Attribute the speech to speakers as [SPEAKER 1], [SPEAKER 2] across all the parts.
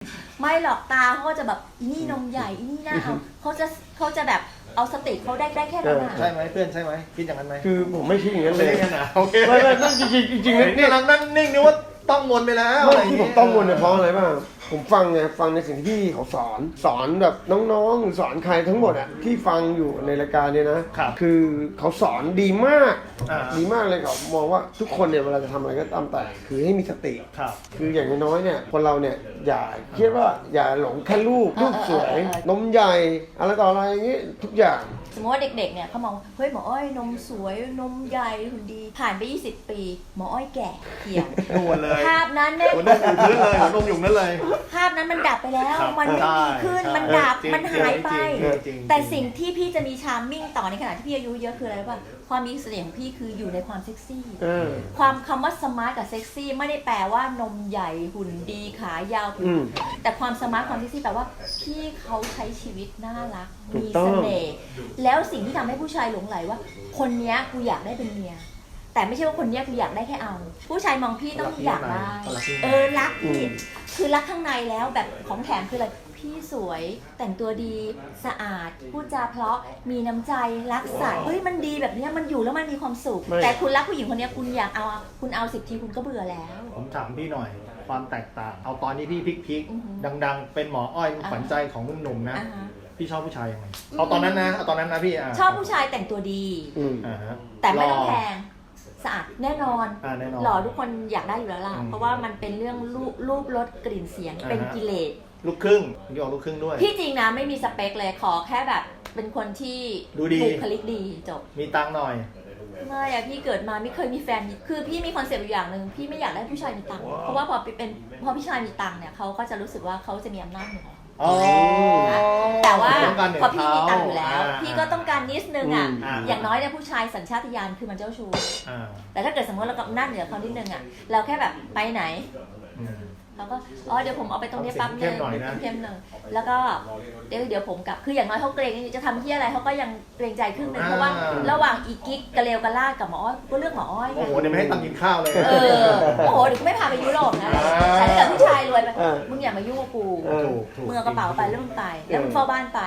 [SPEAKER 1] ไม่หรอกตาเขาก็จะแบบอีนี่นมใหญ่อีนี่หน้าเขาจะแบบเอาสติเขาได้แค่นั้น
[SPEAKER 2] ใช่ไหมเพื่อนใช่ไหมคิดอย่างนั้นไหม
[SPEAKER 3] คือผมไม่คิดอย่างนั้นเลย
[SPEAKER 2] โอเค
[SPEAKER 3] ไม่นั่นจริงๆ
[SPEAKER 2] นี่กำลังนั่งนิ่งนึกว่าต้องวนไปแล้ว
[SPEAKER 3] ไม่ที่ผมต้องวนเนี่ยเพราะอะไรบ้างผมฟังในสิ่งที่พี่เขาสอนแบบน้องๆหรือสอนใครทั้งหมดอ่ะที่ฟังอยู่ในรายการเนี่ยนะคือเขาสอนดีมากเลยเขามองว่าทุกคนเนี่ยเวลาจะทำอะไรก็ตามแต่คือให้มีสติคืออย่างน้อยเนี่ยคนเราเนี่ยอย่าคิดว่าอย่าหลงแค่รูปสวยนมใหญ่อะไรต่ออะไรอย่างงี้ทุกอย่าง
[SPEAKER 1] สมมติว่าเด็กๆเนี่ยเขามองเฮ้ยหมออ้อยนมสวยนมใหญ่หุ่นดีผ่านไป20 ปีหมออ้อยแก่เหี่ยวภาพนั้นเนี่ย
[SPEAKER 2] หัวนมอยู่พื้นเลยหัวนมอยู่นั่นเลย
[SPEAKER 1] ภาพนั้นมันดับไปแล้วมันไม่ดีขึ้นมันดับมันหายไปแต่สิ่งที่พี่จะมีชาร์มมิ่งต่อในขณะที่พี่อายุเยอะคืออะไรป่ะความมีเสน่ห์ของพี่คืออยู่ในความเซ็กซี่ความคำว่าสมาร์ทกับเซ็กซี่ไม่ได้แปลว่านมใหญ่หุ่นดีขายาวแต่ความสมาร์ทความเซ็กซี่แปลว่าพี่เขาใช้ชีวิตน่ารักมีเสน่ห์แล้วสิ่งที่ทำให้ผู้ชายหลงไหลว่าคนนี้กูอยากได้เป็นเมียแต่ไม่ใช่ว่าคนนี้กูอยากได้แค่เอาผู้ชายมองพี่ต้องอยากได้รักพี่คือรักข้างในแล้วแบบของแถมคืออะไรพี่สวยแต่งตัวดีสะอาดพูดจาเพราะมีน้ำใจรักสัตว์เฮ้ยมันดีแบบนี้มันอยู่แล้วมันมีความสุขแต่คุณรักผู้หญิงคนนี้คุณอยากเอาคุณเอา10 ทีคุณก็เบื่อแล้ว
[SPEAKER 2] ผมถามพี่หน่อยความแตกต่างเอาตอนนี้พี่พลิกดังๆเป็นหมออ้อยขวัญใจของหนุ่มๆนะพี่ชอบผู้ชายยังไงเอาตอนนั้นนะพี่
[SPEAKER 1] ชอบผู้ชายแต่งตัวดีแต่ไม่ต้องแพงสะอาดแน่นอนหล่อทุกคนอยากได้อยู่แล้วล่ะเพราะว่ามันเป็นเรื่องรูปรสกลิ่นเสียงเป็นกิเลส
[SPEAKER 2] ลูกครึ่งพี่ออกลูกครึ่งด้วย
[SPEAKER 1] พี่จริงนะไม่มีสเปคเลยขอแค่แบบเป็นคนที่
[SPEAKER 2] ดูดี
[SPEAKER 1] บุคลิกดีจบ
[SPEAKER 2] มีตังค์หน่อย
[SPEAKER 1] ไม่อะพี่เกิดมาไม่เคยมีแฟนคือพี่มีคอนเซ็ปต์อยู่อย่างหนึ่งพี่ไม่อยากได้ผู้ชายมีตังค์เพราะว่าพอผู้ชายมีตังค์เนี่ยเขาก็จะรู้สึกว่าเขาจะมีอำนาจเหนือแต่ว่าพอพี่มีตังค์อยู่แล้วพี่ก็ต้องการนิดนึงอ่ะอย่างน้อยเนี่ยผู้ชายสัญชาตญาณคือมันเจ้าชู้แต่ถ้าเกิดสมมติเรากับอำนาจเหนือเขานิดนึงอ่ะเราแค่แบบไปไหนแล้วก็เดี๋ยวผมเอาไปตรงนี้ปั๊บนึงเข้มหนึ่งแล้วก็เดี๋ยวผมกลับคืออย่างน้อยเขาเกรงจะทำที่อะไรเขาก็ยังเกรงใจครึ่งนึงเพราะว่าระหว่างอีกิ๊กกระเลวกระลาดกับหมออ้อยก็เลือกหมออ้อย
[SPEAKER 2] โอ้โหเดี๋ยวไม่ให้ตังค์กินข้าวเลย
[SPEAKER 1] โอ้โหเดี๋ยวกูไม่พาไปยุโรปนะแต่ถ้าเกิดผู้ชายรวยไปมึงอย่ามายุ่งกับกูมึงเอากระเป๋าไปแล้วมึงไปแล้วมึงเฝ้าบ้านไป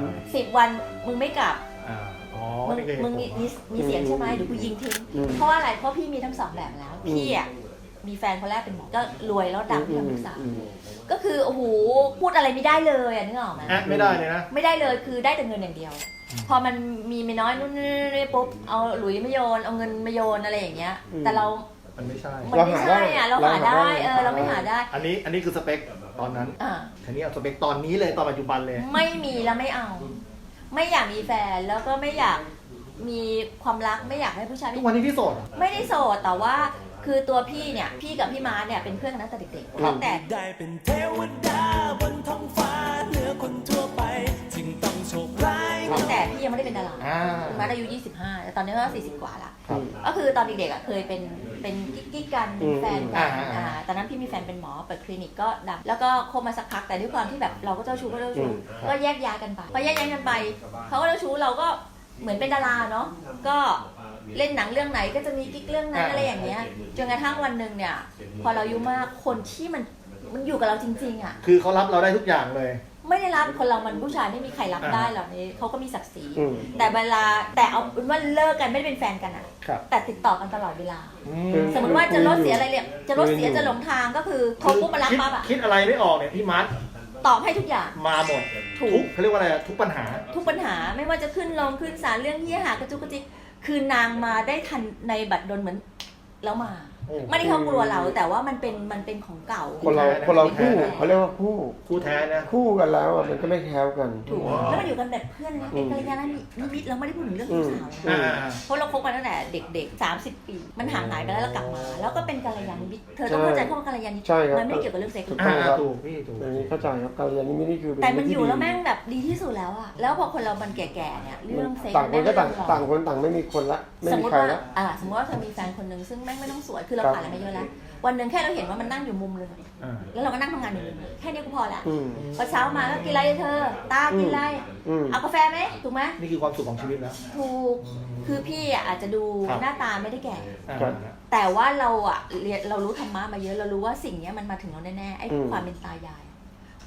[SPEAKER 1] 10 วันมึงไม่กลับมึงมีเสียงใช่ไหมเดี๋ยวกูยิงทิ้งเพราะอะไรเพราะพี่มีทั้ง2แบบแล้วพี่อ่ะมีแฟนคนแรกเป็นหมอก็รวยแล้วดังที่ทำศึกษาก็คือโอ้โหพูดอะไรไม่ได้เลยนึกออกไหม
[SPEAKER 2] ไม่ได้เลยนะ
[SPEAKER 1] ไม่ได้เลยคือได้แต่เงินอย่างเดียวพอมันมีไม่น้อยนู่นนี่ปุ๊บเอาหลุยมาโยนเอาเงินมาโยนอะไรอย่างเงี้ยแต่เรา
[SPEAKER 2] มันไม่ใช่
[SPEAKER 1] อ่ะเราหาได้เราไม่หาได้
[SPEAKER 2] อันนี้คือสเปคตอนนั้นทีนี้เอาสเปคตอนนี้เลยตอนปัจจุบันเลย
[SPEAKER 1] ไม่มีแล้วไม่เอาไม่อยากมีแฟนแล้วก็ไม่อยากมีความรักไม่อยากให้ผู้ชาย
[SPEAKER 2] ทุกวันนี้พี่โสด
[SPEAKER 1] ไม่ได้โสดแต่ว่าคือตัวพี่เนี่ยพี่กับพี่ม้าเนี่ยเป็นเพื่อนกันตั้งแต่เด็กๆแต่
[SPEAKER 4] ได้เป็นเทวดาบนท้องฟ้าเหนือคนทั่วไปจึงต้องโชคร้าย
[SPEAKER 1] ตั้งแต่พี่ยังไม่ได้เป็นดาราพี่ม้าอายุ25แต่ตอนนี้ก็40 กว่าละก็คือตอนเด็กๆอ่ะเคยเป็นกิ๊กกันเป็นแฟนกันตอนนั้นพี่มีแฟนเป็นหมอเปิดคลินิกก็ดังแล้วก็คบมาสักพักแต่ด้วยความที่แบบเราก็เจ้าชู้ก็แยกย้ายกันไปพอแยกย้ายกันไปเขาก็เจ้าชู้เราก็เหมือนเป็นดาราเนาะก็เล่นหนังเรื่องไหนก็จะมีกิ๊กเรื่องนั้นอะไรอย่างเงี้ยจนกระทั่งวันหนึ่งเนี่ยพอเราอายุมากคนที่มันอยู่กับเราจริงๆอ่ะ
[SPEAKER 2] คือเขารับเราได้ทุกอย่างเลย
[SPEAKER 1] ไม่ได้รับคนเรามันผู้ชายไม่มีใครรับได้หรอกนี่เขาก็มีศักดิ์ศรีแต่เวลาแต่เอาเป็นว่าเลิกกันไม่ได้เป็นแฟนกันอ่ะแต่ติดต่อกันตลอดเวลาสมมติว่าจะรถเสียอะไรเนี่ยจะรถเสียจะหลงทางก็คือเขาปุ๊บมารับปั๊บอ่ะ
[SPEAKER 2] คิดอะไรไม่ออกเนี่ยพี่มัด
[SPEAKER 1] ตอบให้ทุกอย่าง
[SPEAKER 2] มาหมดทุกเขาเรียกว่าอะไรทุกปัญหา
[SPEAKER 1] ไม่ว่าจะขึ้นลงขึ้นศาลเรื่องที่หากระจุกกระจิกคือนางมาได้ทันในบัตรดลเหมือนแล้วมาไม่ได้เขากลัวเราแต่ว่ามันเป็นของเก่า
[SPEAKER 3] คนเราคู่เขาเรียกว่า
[SPEAKER 2] คู่แท้นะ
[SPEAKER 3] คู่กันแล้วมันก็ไม่แค้วกัน
[SPEAKER 1] ถูกแล้วมันอยู่กันแบบเพื่อนนะเป็นกัลยาณมิตรเราไม่ได้พูดถึงเรื่องสาวเพราะเราคบกันตั้งแต่เด็กๆ30 ปีมันห่างหายไปแล้วเรากลับมาแล้วก็เป็นกัลยาณมิตรเธอต้องเข้าใจคำว่ากัลยาณมิตรมันไม่ได้เกี่ยวกับเรื่องเซ็กส์
[SPEAKER 2] ถูกพี่ถูก
[SPEAKER 3] เข้าใจครับกัลยาณมิตรนี่คือ
[SPEAKER 1] แต่มันอยู่แล้วแม่งแบบดีที่สุดแล้วอะแล้วพอคนเรามันแก่ๆเนี่ยเรื่องเซ็กส์
[SPEAKER 3] ต่างคนก็ต่างคนต่างไม่มีคนละไม่มีใครละ
[SPEAKER 1] สมมติว่าเธอมีแฟนคนนึงซึ่งแม่งไม่ต้องสวยคือเราผ่านอะไรมาเยอะแล้ววันหนึ่งแค่เราเห็นว่ามันนั่งอยู่มุมเลยแล้วเราก็นั่งทำงานอยู่แค่นี้ก็พอละพอเช้ามาก็กินอะไรเธอตากินอะไรเอากาแฟไหมถูกไหม
[SPEAKER 2] นี่คือความสุขของชีวิตแล้ว
[SPEAKER 1] ถูกคือพี่อาจจะดูหน้าตาไม่ได้แก่แต่ว่าเรารู้ธรรมะมาเยอะเรารู้ว่าสิ่งนี้มันมาถึงเราแน่ๆไอ้ความเป็นตายาย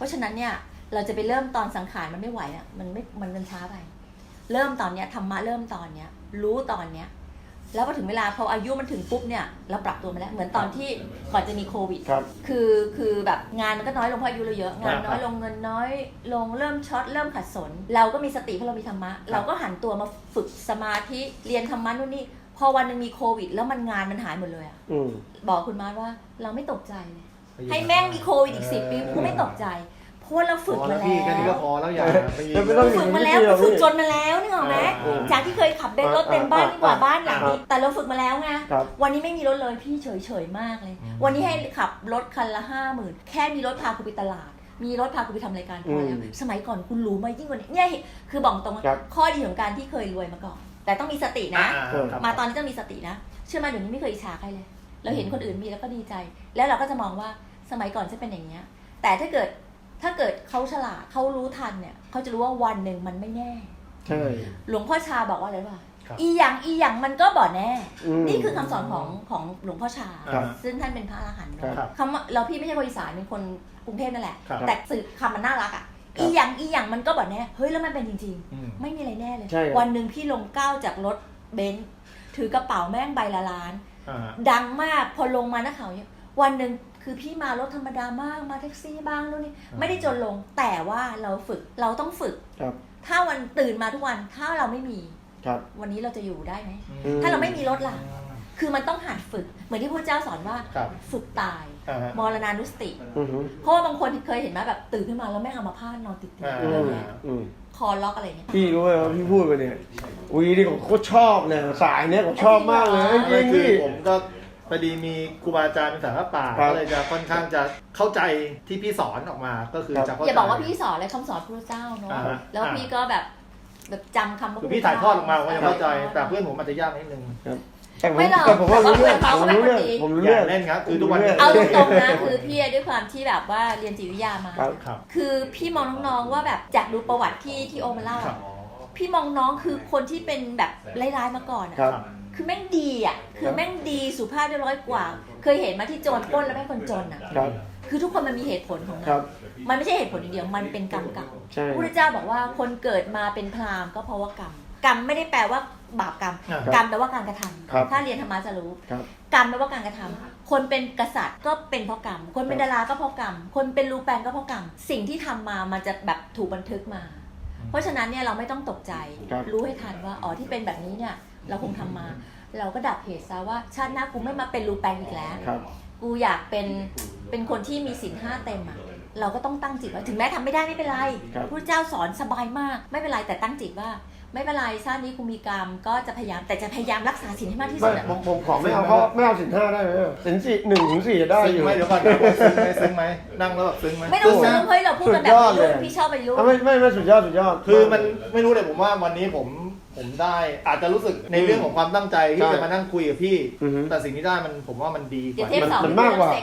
[SPEAKER 1] ราะฉะนั้นเนี่ยเราจะไปเริ่มตอนสังขารมันไม่ไหวอ่ะมันช้าไปเริ่มตอนเนี้ยธรรมะเริ่มตอนเนี้ยรู้ตอนเนี้ยแล้วพอถึงเวลาพออายุมันถึงปุ๊บเนี่ยเราปรับตัวมาแล้วเหมือนตอนที่ก่อนจะมีโควิดคือแบบงานมันก็น้อยลงเพราะอายุเราเยอะงานน้อยลงเงินน้อยลงเริ่มช็อตเริ่มขัดสนเราก็มีสติเพราะเรามีธรรมะเราก็หันตัวมาฝึกสมาธิเรียนธรรมะนู่นนี่พอวันนึงมีโควิดแล้วมันงานมันหายหมดเลยอ่ะบอกคุณมาร์ทว่าเราไม่ตกใจเลยให้แม่งมีโควิดอีก10 ปีกูไม่ตกใจเพราะเราฝึกมาแล้ว
[SPEAKER 2] แค่นี้ก็พอแล้วอย่าไปยิง
[SPEAKER 1] ฝึกมาแล้วฝึกจนมาแล้วนึกออกไหมจากที่เคยขับเบนซ์รถเต็มบ้านยิ่งกว่าบ้านหลังนี้แต่เราฝึกมาแล้วไงวันนี้ไม่มีรถเลยพี่เฉยๆมากเลยวันนี้ให้ขับรถคันละ50,000แค่มีรถพากูไปตลาดมีรถพากูไปทำรายการพอแล้วสมัยก่อนคุณรู้ไหมยิ่งกว่านี้เนี่ยคือบอกตรงข้อดีของการที่เคยรวยมาก่อนแต่ต้องมีสตินะมาตอนนี้ต้องมีสตินะเชื่อมาเดี๋ยวนี้ไม่เคยอิจฉาใครเลยเราเห็นคนอื่นมีแล้วก็ดีใจแล้วเราก็จะมองว่าสมัยก่อนจะเป็นอย่างเงี้ยแต่ถ้าเกิดเขาฉลาดเขารู้ทันเนี่ยเขาจะรู้ว่าวันหนึ่งมันไม่แน่
[SPEAKER 3] ใช่
[SPEAKER 1] หลวงพ่อชาบอกว่าอะไรป่ะอีหยังมันก็บ่แน่นี่คือคำสอนของหลวงพ่อชาซึ่งท่านเป็นพระอรหันต์คำว่าเราพี่ไม่ใช่คนอีสานเป็นคนกรุงเทพนั่นแหละแต่สื่อคำมันน่ารักอ่ะอีหยังมันก็บ่แน่เฮ้ยแล้วมันเป็นจริงๆไม่มีอะไรแน่เลยวันหนึ่งพี่ลงก้าวจากรถเบนซ์ถือกระเป๋าแม่งใบละล้านดังมากพอลงมานักข่าวเนี่ยวันหนึ่งคือพี่มารถธรรมดามากมาแท็กซี่บ้างนู่นนี่ไม่ได้จนลงแต่ว่าเราต้องฝึกถ้าวันตื่นมาทุกวันถ้าเราไม่มีวันนี้เราจะอยู่ได้ไหมถ้าเราไม่มีรถล่ะคือมันต้องหัดฝึกเหมือนที่พระเจ้าสอนว่าฝึกตายมรณานุสติเพราะว่าบางคนเคยเห็นไหมแบบตื่นขึ้นมาแล้วแม่งอัมพาตนอนติดคอล็อกอะไรเนี่ย
[SPEAKER 3] พี่รู้ไหมว่าพี่พูดไปเนี่ยวีนี่ผมโคตรชอบเนี่ยสายเนี่ยผมชอบมากเลยจริงพี่
[SPEAKER 2] ผมก็พอดีมีครูบาอาจารย์เป็นสายพระป่าก็เลยจะค่อนข้างจะเข้าใจที่พี่สอนออกมาก็คือจะเข้าใจ
[SPEAKER 1] อย่าบอกว่าพี่สอนเลยคำสอนพระเจ้าเนาะแล้วพี่ก็แบบจำคำ
[SPEAKER 2] คือพี่ถ่ายทอดออกมาผมจะเข้าใจแต่เพื่อนผมอาจจะยากนิดนึง
[SPEAKER 1] ไม่หรอก
[SPEAKER 3] ผมรู้เรื่อง
[SPEAKER 2] เล่นครับคือทุกวัน
[SPEAKER 1] เอาตรงๆนะคือพี่ด้วยความที่แบบว่าเรียนจิตวิทยามาคือพี่มองน้องๆว่าแบบจากดูประวัติที่โอมาเล่าพี่มองน้องคือคนที่เป็นแบบร้ายๆมาก่อนคือแม่งดีอ่ะคือแม่งดีสุภาพเรียบร้อยกว่าเคยเห็นมาที่โจรปล้นแล้วแม่งคนจนอ่ะคือทุกคนมันมีเหตุผลของมันไม่ใช่เหตุผลอย่างเดียวมันเป็นกรรมเก่าพระพุทธเจ้าบอกว่าคนเกิดมาเป็นพราหมณ์ก็เพราะว่ากรรมไม่ได้แปลว่าบาปกรรมแปลว่าการกระทำถ้าเรียนธรรมะจะรู้กรรมแปลว่าการกระทำคนเป็นกษัตริย์ก็เป็นเพราะกรรมคนเป็นดาราก็เพราะกรรมคนเป็นรูปแปลงก็เพราะกรรมสิ่งที่ทำมามันจะแบบถูกบันทึกมาเพราะฉะนั้นเนี่ยเราไม่ต้องตกใจรู้ให้ทันว่าอ๋อที่เป็นแบบนี้เนี่ยเราคงทำมาเราก็ดับเหตุซะว่าชาติหน้ากูไม่มาเป็นรูปแปลงอีกแล้วกูอยากเป็นคนที่มีศีล 5เต็มอ่ะเราก็ต้องตั้งจิตว่าถึงแม้ทำไม่ได้ไม่เป็นไรพระเจ้าสอนสบายมากไม่เป็นไรแต่ตั้งจิตว่าไม่เป็นไรชาตินี้กูมีกรรมก็จะพยายามแต่จะพยายามรักษาศีลให้มากที่สุด
[SPEAKER 3] ผมขอไม่เอาเพราะไม่เอาศีล 5ได้ไหมศีล1 ถึง 4ได้อยู่
[SPEAKER 2] ไม่เดี๋ยวก่อนซึ้งไหมนั่งแล้วแบบซึ้งไหม
[SPEAKER 1] ไม่ต้องซึ้งเฮ้ยเราพูดกันแบบนี้พี่ชอบไปรู้
[SPEAKER 3] ไม่สุดยอด
[SPEAKER 2] คือมันไม่รู้เลยผมว่าวันนี้ผมได้อาจจะรู้สึกในเรื่องของความตั้งใจที่จะมานั่งคุยกับพี่แต่สิ่งที่ได้ผมว่ามันดีกว่า
[SPEAKER 3] มันมากกว่า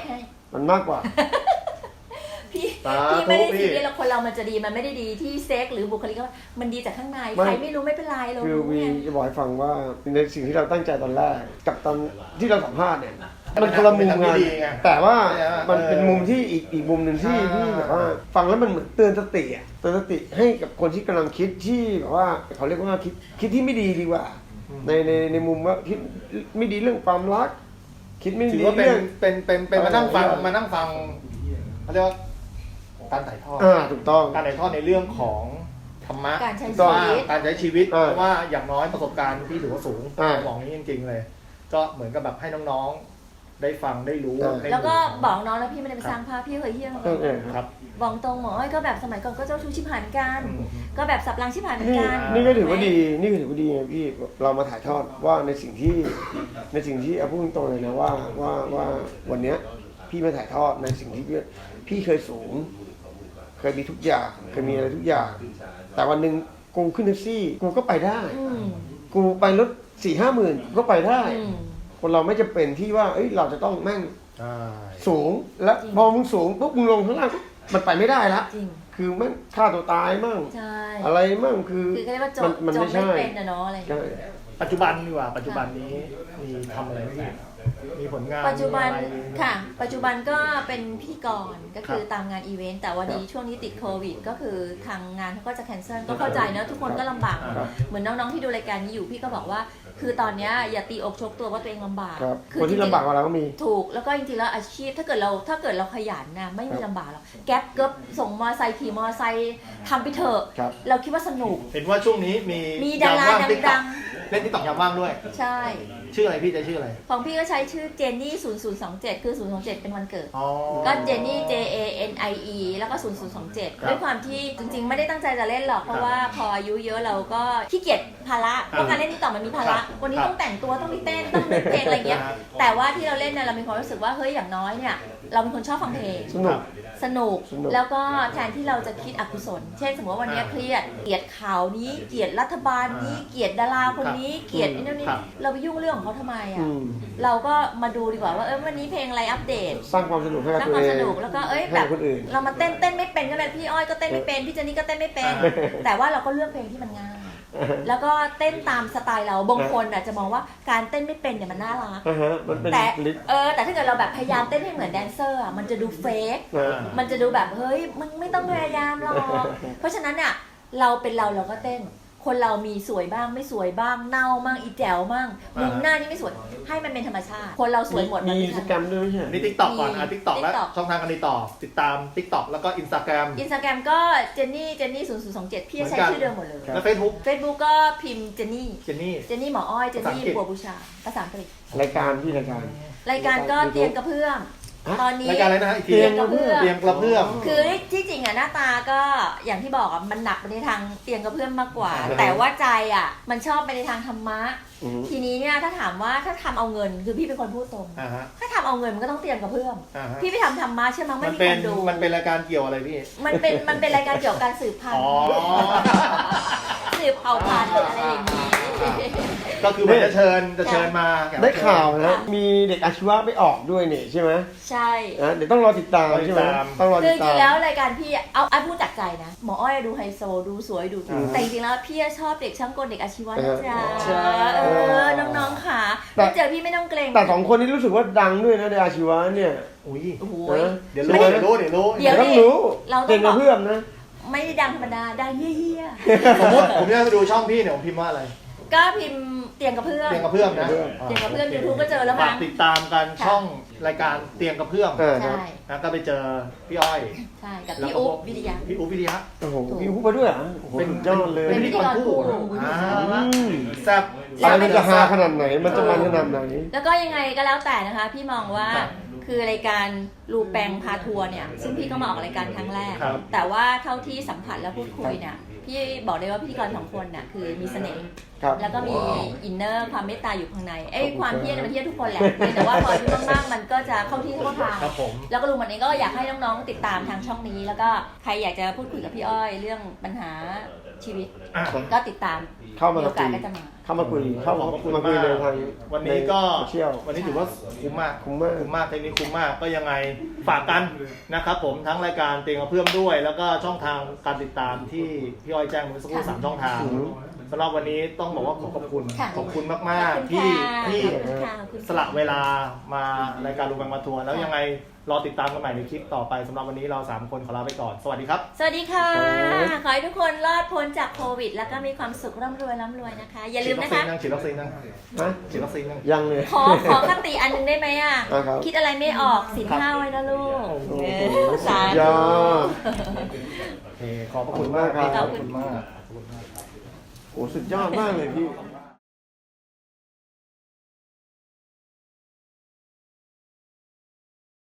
[SPEAKER 1] พี่ไม่ได้ซีเรียสแล้วคนเรามันจะดีมันไม่ได้ดีที่เซ็กหรือบุคลิกมันดีจากข้างในใครไม่รู้ไม่เป็นไรเรา
[SPEAKER 3] คือวีจะบอกให้ฟังว่าในสิ่งที่เราตั้งใจตอนแรกกับตอนที่เราสัมภาษณ์เนี่ยมันคนละมุมงานแต่ว่ามันเป็นมุมที่อีกมุมหนึ่งที่แบบว่าฟังแล้วมันเหมือนเตือนสติให้กับคนที่กำลังคิดที่แบบว่าเขาเรียกว่าคิดที่ไม่ดีดีกว่าในมุมว่าคิดไม่ดีเรื่องความรักคิดไม่ดี
[SPEAKER 2] เรื่องเป็นมานั่งฟังเขาเรียกว่าการถ่ายทอด
[SPEAKER 3] ถูกต้อง
[SPEAKER 2] การถ่ายทอดในเรื่องของธรรมะ
[SPEAKER 1] การใช้
[SPEAKER 2] ชีวิตเพราะว่าอย่างน้อยประสบการณ์พี่ถือว่าสูงบอกนี้จริงๆเลยก็เหมือนกับแบบให้น้องๆได้ฟังได้รู้
[SPEAKER 1] แล้วก็บอกน้องแล้วพี่ไม่ได้ไปสร้างภาพพี่เคยเที่ยง
[SPEAKER 2] ครับ
[SPEAKER 1] บอกตรงหมอก็แบบสมัยก่อนก็เจ้าชู้ชิบหายกันก็แบบสับรางชิบหายเหมือนกัน
[SPEAKER 3] นี่ก็ถือว่าดีพี่เรามาถ่ายทอดว่าในสิ่งที่พูดตรงเลยนะว่าวันนี้พี่มาถ่ายทอดในสิ่งที่พี่เคยสูงเคยมีทุกอย่างเคยมีอะไรทุกอย่างแต่วันหนึ่งกูขึ้นแท็กซี่กูก็ไปได้กูไปรถ 4-5 หมื่นก็ไปได้คนเราไม่จำเป็นที่ว่าเราจะต้องแม่งสูงแล้วพอมึงสูงปุ๊บมึงลงข้างล่างมันไปไม่ได้ละคือแม่งฆ่าตัวตายมั่งอะไรมั่งคือ
[SPEAKER 1] มันไม่ใช่เป็นนะเนาะอะไร
[SPEAKER 2] ปัจจุบันดีกว่าปัจจุบันนี้มีทำอะไรบ้างมีผลงาน
[SPEAKER 1] ปัจจุบัน
[SPEAKER 2] มีอะไร
[SPEAKER 1] ค่ะ ปัจจุบันก็เป็นพิธีกรก็คือ
[SPEAKER 2] ครับ
[SPEAKER 1] ตามงานอีเวนต์แต่วันนี้ช่วงนี้ติดโควิดก็คือทางงานเขาก็จะแคนเซิลก็เข้าใจเนอะทุกคนก็ลำบาก
[SPEAKER 2] ครับ
[SPEAKER 1] เหมือนน้องๆที่ดูรายการนี้อยู่พี่ก็บอกว่า คือตอนเนี้ยอย่าตีอกชกตัวว่าตัวเองลำบาก
[SPEAKER 3] ครับ
[SPEAKER 1] อ
[SPEAKER 3] คนที่
[SPEAKER 1] จริงๆ
[SPEAKER 3] ลำบากกว่าเราก็มี
[SPEAKER 1] ถูกแล้วก็จริงๆแล้วอาชีพถ้าเกิดเราขยันนะไม่มีลำบากหรอกแก๊ปเกิบส่งมอไซค์ขี่มอไซค์ทำไปเถอะ
[SPEAKER 3] ครับ
[SPEAKER 1] เราคิดว่าสนุก
[SPEAKER 2] เห็นว่าช่วงนี้มี
[SPEAKER 1] มีดารา
[SPEAKER 2] ยมว่
[SPEAKER 1] ดัง
[SPEAKER 2] เล่นติ๊กต็อกยามว่างด้วย
[SPEAKER 1] ใช่
[SPEAKER 2] ชื่ออะไรพี่จะชื่ออะไร
[SPEAKER 1] ของพี่ก็ใช้ชื่อเจนนี่0027คือ027เป็นวันเกิด
[SPEAKER 2] อ๋อ
[SPEAKER 1] ก็เจนนี่ JANIE แล้วก็ 0027 ด้วยความที่จริงๆ ไม่ได้ตั้งใจจะเล่นหรอก เพราะว่าพออายุเยอะเราก็ขี้เกียจภาระเพราะการเล่นที่ต่อมันมีภาระ วันนี้ต้องแต่งตัวต้องมีเต้นต้องเล่นเพลงอะไรเงี้ย แต่ว่าที่เราเล่นเนี่ยเรามีความรู้สึกว่าเฮ้ยอย่างน้อยเนี่ยเราเป็นคนชอบฟังเพลง
[SPEAKER 3] สนุก
[SPEAKER 1] สนุก
[SPEAKER 3] สนุก
[SPEAKER 1] แล้วก็แทนที่เราจะคิดอกุศล เช่นสมมติว่าวันนี้เครียดเกลียดข่าวนี้เกลียดรัฐบาลนี้เกลียดดาราคนนี้เกลียดไอ้นั่นนี่
[SPEAKER 2] ครับ
[SPEAKER 1] เราไปยุ่งเรื่องของเขาทำไม
[SPEAKER 3] อื
[SPEAKER 1] อ่ะ
[SPEAKER 3] ม
[SPEAKER 1] เราก็มาดูดีกว่าว่าวันนี้เพลงอะไรอัปเดต
[SPEAKER 3] สร้างความสนุกให้กับ
[SPEAKER 1] สร้าง
[SPEAKER 3] ตัว
[SPEAKER 1] ความ
[SPEAKER 3] เอ
[SPEAKER 1] ส
[SPEAKER 3] ง
[SPEAKER 1] นุกแล้วก็
[SPEAKER 3] ให้
[SPEAKER 1] แบบ
[SPEAKER 3] คนอื่น
[SPEAKER 1] เรามาเต้นไม่เป็นก็ได้พี่อ้อยก็เต้นไม่เป็นพี่เจนนี่ก็เต้นไม่เป็น แต่ว่าเราก็เลือกเพลงที่มันง่าย แล้วก็เต้นตามสไตล์เราบางคนอ่ะจะมองว่าการเต้นไม่เป็นเนี่ยมันน่ารัก
[SPEAKER 3] อ่าฮะมันเป็น
[SPEAKER 1] แต่
[SPEAKER 3] ลิสต์
[SPEAKER 1] แต่ถ้าเกิดเราแบบพยายามเต้นให้เหมือนแดนเซอร์อะมันจะดูเฟก
[SPEAKER 3] นะ
[SPEAKER 1] มันจะดูแบบเฮ้ยมึงไม่ต้องพยายามหรอก เพราะฉะนั้นเนี่ยเราเป็นเราก็เต้น คนเรามีสวยบ้างไม่สวยบ้างเน่าบ้างอีแจ๋วบ้างมุมหน้านี่ไม่สวยให้มันเป็นธรรมชาติ คนเราสวยหมด
[SPEAKER 3] มี
[SPEAKER 1] น
[SPEAKER 3] อินสตาแกรมด้วยไม่ใช่เหรอ
[SPEAKER 2] นี่ติ๊กต็อกก่อนอ่ะ
[SPEAKER 1] มี
[SPEAKER 2] ติ๊กต็อกแล้ว
[SPEAKER 1] TikTok
[SPEAKER 2] ช่องทางการติดต่อติดตามติ๊กต็อกแล้วก็อินสตาแกรม
[SPEAKER 1] อินสตาแกรมก็เจนนี่0027พี่จะใช้
[SPEAKER 2] เหมือนกัน
[SPEAKER 1] ชื่อเดิมหมดเลย
[SPEAKER 2] แล้วเฟซบุ๊ก
[SPEAKER 1] Facebook ก็พิมพ์เจนนี่
[SPEAKER 2] เจนนี่
[SPEAKER 1] เจนนี่หมออ้อยเจนนี่
[SPEAKER 2] ภาษาอังกฤษ
[SPEAKER 1] บัวบูชาภาษาอังกฤษ
[SPEAKER 3] รายการพี่รายการ
[SPEAKER 1] รายการก็เตียงกระเพื่อม
[SPEAKER 3] ฮะ
[SPEAKER 1] ตอนนี้
[SPEAKER 2] รายการอะไรนะฮะอีกที
[SPEAKER 3] เตียงกระเพื่อม
[SPEAKER 2] เตียงกระเพื่อม
[SPEAKER 1] คือที่จริงอ่ะหน้าตาก็อย่างที่บอกอ่ะมันหนักไปในทางเตียงกระเพื่อมมากกว่า
[SPEAKER 3] อ่า
[SPEAKER 1] แต่ว่าใจอ่ะมันชอบไปในทางธรรมะ
[SPEAKER 3] อืม
[SPEAKER 1] ทีนี้เนี่ยถ้าถามว่าถ้าทำเอาเงินคือพี่เป็นคนพูดตรง
[SPEAKER 2] อ่าฮะ
[SPEAKER 1] ถ้าทำเอาเงินมันก็ต้องเตียงกระเพื่อม
[SPEAKER 2] อ่าฮะ
[SPEAKER 1] พี่ไปทำธรรมะใช่ไหมยไม่
[SPEAKER 2] มัน
[SPEAKER 1] มี
[SPEAKER 2] เป็
[SPEAKER 1] คน นดู
[SPEAKER 2] มันเป็นรายการเกี่ยวอะไรพี่
[SPEAKER 1] มันเป็นรายการเกี่ยวกับการสืบพัน
[SPEAKER 2] อ๋
[SPEAKER 1] ธุ์
[SPEAKER 2] อ
[SPEAKER 1] สืบเผ่าพันธุ์อะไรอย่างนี้
[SPEAKER 2] ก็คือมันจะเชิญมา
[SPEAKER 3] ได้ข่าวนะ มีเด็กอาชีวะไปออกด้วยเนี่ยใช่ไหม
[SPEAKER 1] ใช่
[SPEAKER 3] นะเดี๋ยวต้องรอติดตามใช่ไหมต้องรอ
[SPEAKER 1] คื
[SPEAKER 3] ติ
[SPEAKER 1] อ
[SPEAKER 3] ด
[SPEAKER 1] จ
[SPEAKER 3] ตา
[SPEAKER 1] ริ
[SPEAKER 3] ม
[SPEAKER 1] งๆแล้วรายการพี่เอาพูดจากใจนะหมออ้อยดูไฮโซดูสวยดู
[SPEAKER 3] อืม
[SPEAKER 1] แต่จริงๆแล้วพี่ชอบเด็กช่างกลเด็กอาชีวะนะจ๊ะ
[SPEAKER 2] ใช่
[SPEAKER 1] น้องๆค่ะ
[SPEAKER 3] แต่
[SPEAKER 1] ไม่เจอพี่ไม่ต้องเกรง
[SPEAKER 3] แต่สองคนนี้รู้สึกว่าดังด้วยนะในอาชีวะเนี่ย
[SPEAKER 2] อุ้ย
[SPEAKER 1] โอ้โห
[SPEAKER 2] เดี๋ยวรู้
[SPEAKER 1] เดี๋ยว
[SPEAKER 3] ต้องรู้
[SPEAKER 1] เราต้อง
[SPEAKER 3] เก่งกับเพื่อนนะ
[SPEAKER 1] ไม่ได้ดังธรรมดาดังเยี่ย
[SPEAKER 2] สมมติผมจะดูช่องพี่เนี่ยผมพิมพ์ว่าอะไร
[SPEAKER 1] ๆก็พิมพ์เตียงกระเพื่อม
[SPEAKER 2] เตียงกระเพื่อมนะ
[SPEAKER 1] เตียงกระเพื่อม YouTube ก็เจอแล้วมั้
[SPEAKER 2] ฝาง กติดตามกัน
[SPEAKER 1] ค่ะ
[SPEAKER 2] ช่องรายการเตียงกระเพื่อม
[SPEAKER 3] ครั
[SPEAKER 1] ใช่
[SPEAKER 3] บ
[SPEAKER 2] นะก็ไปเจอพี่อ้อย
[SPEAKER 1] ใช่กับพี่อุ๊บวิทยา
[SPEAKER 2] พี่อุ๊บวิทยา
[SPEAKER 3] โอ้โหมีผู้ไปด้วยเหรอโอ้โหสุดยอดเลย
[SPEAKER 1] เป็นพิธีกรคู่
[SPEAKER 2] แซ่บ
[SPEAKER 3] อะไรมันจะฮาขนาดไหน มันจะมันขนาดไหน
[SPEAKER 1] แล้วก็ยังไงก็แล้วแต่นะคะ พี่มองว่า
[SPEAKER 2] ครับ
[SPEAKER 1] คือรายการรูแปงพาทัวร์เนี่ยซึ่งพี่ก็มาออกรายการครั้งแรก
[SPEAKER 2] ครับ
[SPEAKER 1] แต่ว่าเท่าที่สัมผัสและพูดคุยเนี่ยพี่บอกได้ว่าพิธีกรสองคนน่ะคือมีเสน่ห์
[SPEAKER 3] ครับ
[SPEAKER 1] แล้วก็มีอินเนอร์ความเมตตาอยู่ข้างในความเที่ยงมันเที่ยงทุกคนแหละเพียงแต่ว่าพออายุมากๆมันก็จะเข้าที่เข้าทาง
[SPEAKER 2] ครับผม
[SPEAKER 1] แล้วก็ลุงมันเองก็อยากให้น้องๆติดตามทางช่องนี้ แล้วก็ใครอยากจะพูดคุยกับพี่อ้อยเรื่องปัญหาชีวิต
[SPEAKER 2] อ่ะ
[SPEAKER 1] ก็ติดตาม
[SPEAKER 3] เข้ามา
[SPEAKER 1] โอกาส
[SPEAKER 3] คุย
[SPEAKER 1] ก็จะมา
[SPEAKER 3] เข้ามาคุยเข้า
[SPEAKER 2] ขอบพระคุณ
[SPEAKER 3] มาคุย
[SPEAKER 2] มาก
[SPEAKER 3] ในทาง
[SPEAKER 2] วันนี้ก็
[SPEAKER 3] โซเชียล
[SPEAKER 2] วันนี้ถือว่าคุ้มมาก
[SPEAKER 3] คุ้มมาก
[SPEAKER 2] คุ้มมากเทคนิคคุ้มมากก็ยังไงฝากกันนะครับผมทั้งรายการเตียงกระเพื่อมด้วย แล้วก็ช่องทางการติดตามที่พี่อ้อยแจ้งเมื่อสักครู่
[SPEAKER 1] ค่ะ
[SPEAKER 2] 3 ช่องทางสำหรับวันนี้ต้องบอกว่าขอบคุณ
[SPEAKER 1] ค่ะ
[SPEAKER 2] ขอบคุณมาก
[SPEAKER 1] ขอบคุณ
[SPEAKER 2] ๆที่
[SPEAKER 1] ค่ะ
[SPEAKER 2] ที่
[SPEAKER 1] ขอบคุณค่ะขอบคุณ
[SPEAKER 2] สละเวลามารายการรูแบงมาทัวร์แล้ว
[SPEAKER 1] ค่ะ
[SPEAKER 2] ยังไงรอติดตามกันใหม่ในคลิปต่อไปสำหรับวันนี้เรา3คนขอลาไปก่อนสวัสดีครับ
[SPEAKER 1] สวัสดีค่ะ ขอให้ทุกคนรอดพ้นจากโควิด แล้วก็มีความสุขร่ำรวยนะคะ อย่าลืมนะคะ
[SPEAKER 2] ฉีดวัคซีนยัง
[SPEAKER 3] ฮะ
[SPEAKER 2] ฉีดวัคซีนยัง
[SPEAKER 3] ยังเลย
[SPEAKER 1] ขอคติอันหนึงได้ไหมอ่ะ
[SPEAKER 3] ครับ
[SPEAKER 1] คิดอะไรไม่ออกสินห้าไว้นะลูก
[SPEAKER 3] โอ้โห
[SPEAKER 1] สา
[SPEAKER 3] สุด
[SPEAKER 1] ธุ
[SPEAKER 3] ยอด
[SPEAKER 2] โอเคขอบพระคุณมาก
[SPEAKER 3] ขอบคุณมากครับ
[SPEAKER 2] ขอบคุณมาก
[SPEAKER 3] โอ้สุดยอดมากเลยพี่